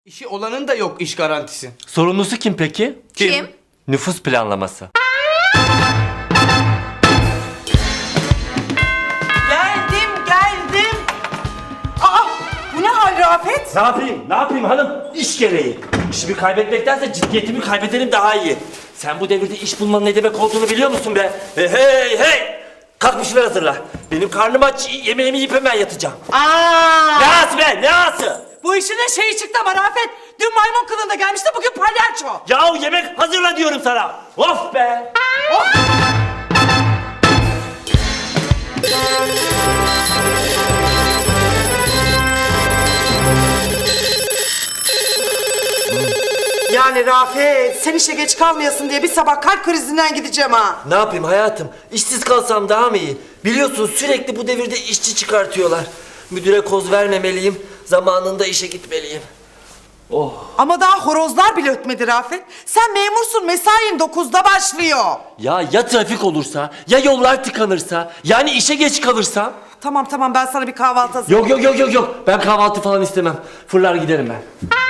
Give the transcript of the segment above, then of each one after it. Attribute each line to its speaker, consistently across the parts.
Speaker 1: İşi olanın da yok iş garantisi.
Speaker 2: Sorumlusu kim peki?
Speaker 3: Kim?
Speaker 2: Nüfus planlaması.
Speaker 4: Geldim. Aa, bu ne hal Rafet?
Speaker 2: Ne yapayım hanım? İş gereği. İşimi kaybetmektense ciddiyetimi kaybedelim daha iyi. Sen bu devirde iş bulmanın ne demek olduğunu biliyor musun be? Hey! Kalk bir şeyler hazırla. Benim karnım aç, yemeğimi yiyip hemen yatacağım. Ne ağası be, ne ağası?
Speaker 4: Bu işin de şeyi çıktı ama Rafet. Dün maymun kılığında gelmişti, bugün palyaço.
Speaker 2: Yahu yemek hazırla diyorum sana. Of be!
Speaker 4: Yani Rafet, sen işe geç kalmayasın diye bir sabah kalp krizinden gideceğim ha.
Speaker 2: Ne yapayım hayatım? İşsiz kalsam daha mı iyi? Biliyorsun sürekli bu devirde işçi çıkartıyorlar. Müdüre koz vermemeliyim. Zamanında işe gitmeliyim.
Speaker 4: Ama daha horozlar bile ötmedi Rafet. Sen memursun, mesain 9'da başlıyor.
Speaker 2: Ya trafik olursa, ya yollar tıkanırsa, yani işe geç kalırsam?
Speaker 4: Tamam ben sana bir kahvaltı hazırlayayım.
Speaker 2: Yok. Ben kahvaltı falan istemem. Fırlar giderim ben.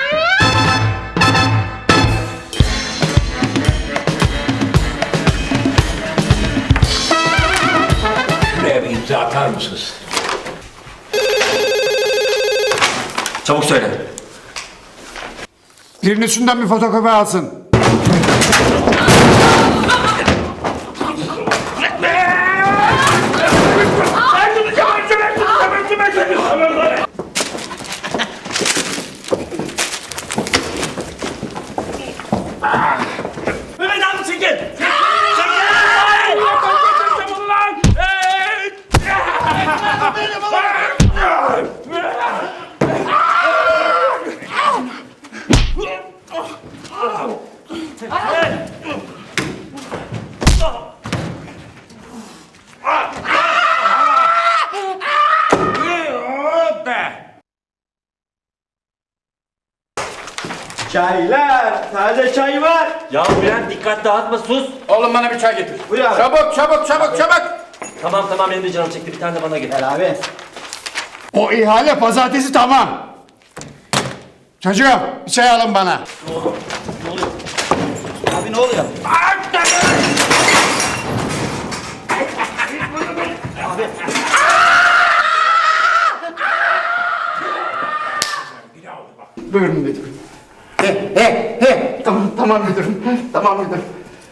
Speaker 5: Buraya bir imza atar mısınız?
Speaker 2: Çabuk söyle.
Speaker 6: Birinin üstünden bir fotokopi alsın.
Speaker 2: Mehmet abi çekil!
Speaker 1: Çaylar, taze çay var.
Speaker 2: Ya Bülent dikkat dağıtma sus.
Speaker 6: Oğlum bana bir çay getir.
Speaker 1: Buyur abi.
Speaker 6: Çabuk.
Speaker 2: Tamam benim de canım çekti bir tane de bana getir.
Speaker 1: Abi.
Speaker 6: O ihale pazartesi tamam. Çocuğum bir çay alın bana.
Speaker 1: Abi ne oluyor?
Speaker 6: Buyurun müdürüm. Tamam müdürüm. Tamam müdürüm.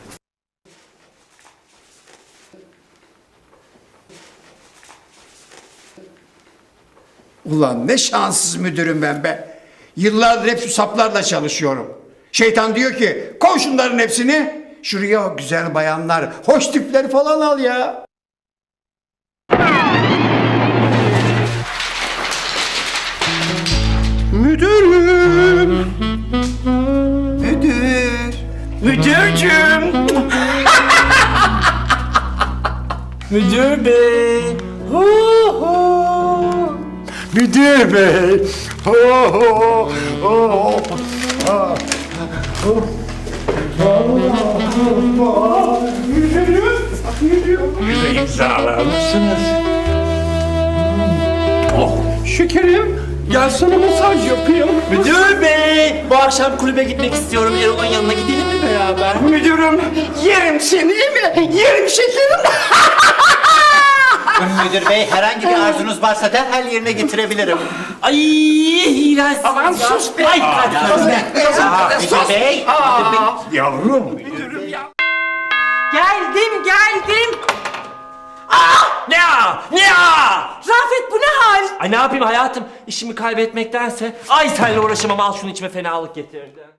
Speaker 6: Ulan ne şanssız müdürüm ben be. Yıllardır hep şu saplarla çalışıyorum. Şeytan diyor ki koy şunların hepsini şuraya o güzel bayanlar, hoş tipleri falan al ya. Müdürüm.
Speaker 2: Müdürcüm. Müdür bey.
Speaker 6: Müdür bey.
Speaker 5: İmzalar mısınız?
Speaker 6: Şekerim gelsene masaj yapayım.
Speaker 2: Müdür bey. Bu akşam kulübe gitmek istiyorum. Erol'un yanına gidelim mi beraber?
Speaker 6: Müdürüm yerim seni değil mi? Yerim şekerim.
Speaker 7: Müdür bey herhangi bir arzunuz varsa derhal yerine getirebilirim.
Speaker 2: Ay iğrenç.
Speaker 6: Aman sus be.
Speaker 2: Ay hadi.
Speaker 7: Müdür bey.
Speaker 5: Yavrum.
Speaker 4: Geldim.
Speaker 2: Ne ya?
Speaker 4: Rafet bu ne hal?
Speaker 2: Ay ne yapayım hayatım? İşimi kaybetmektense ay senle uğraşamam al şunu içime fenalık getirdi.